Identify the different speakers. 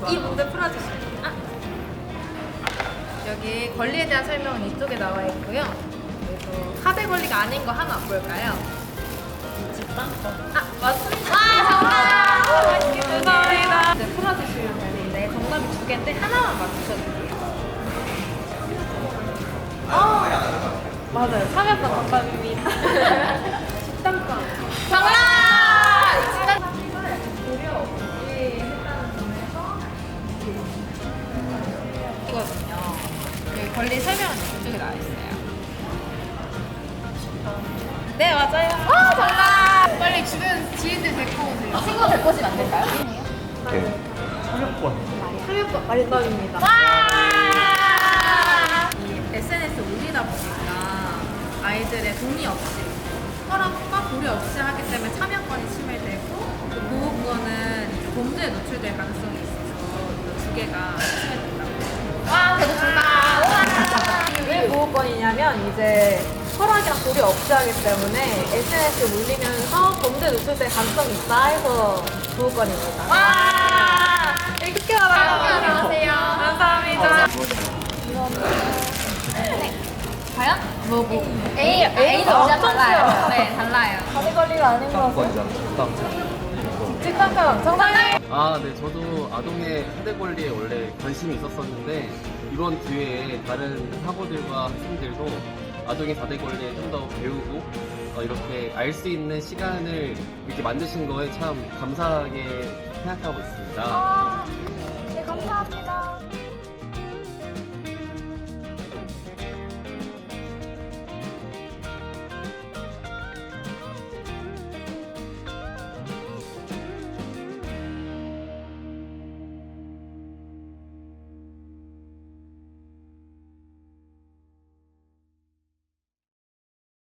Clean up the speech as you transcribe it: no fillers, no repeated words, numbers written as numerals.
Speaker 1: 이 문제 풀어주시면 여기 권리에 대한 설명은 이쪽에 나와 있고요. 그래서 4대 권리가 아닌 거 하나 뭘까요? 맞습니다. 와, 정답! 감사합니다. 이제 풀어주시면 되는데 정답이 2개인데 하나만 맞추셔도 돼요. 맞아요. 3였던 정답입니다. 식당권. 정답! 고려 없이 했다는 점에서 이거든요. 여기 권리 설명은 이쪽에 나와 있어요. 네, 맞아요. 정답! 빨리 주변 지인들 데리고 오세요. 친구 데리고 오시면 안 될까요?
Speaker 2: 네.
Speaker 1: 참여법 말법입니다. 이 SNS 올리다 보니까 아이들의 동의 없이 허락과 고려 없이 하기 때문에 참여권이 침해되고 그 보호구원은 이제 범죄에 노출될 가능성이 있어서 이 2개가 침해된다고. 와, 대도 정답! 왜 보호권이냐면 이제 허락이랑 고려 없이 하기 때문에 SNS에 올리면서 범죄에 노출될 가능성이 있다 해서 보호권입니다. 와! 이렇게 알아요. 안녕하세요. 감사합니다. 과연? A도 진짜 달라요. 네, 달라요.
Speaker 3: 다리 권리가 아닌 거 같아요. 직관감 정답!
Speaker 2: 네, 저도 아동의 4대 권리에 원래 관심이 있었었는데 이번 기회에 다른 학우들과 학생들도 아동의 4대 권리에 좀 더 배우고 이렇게 알 수 있는 시간을 이렇게 만드신 거에 참 감사하게 생각하고 있습니다.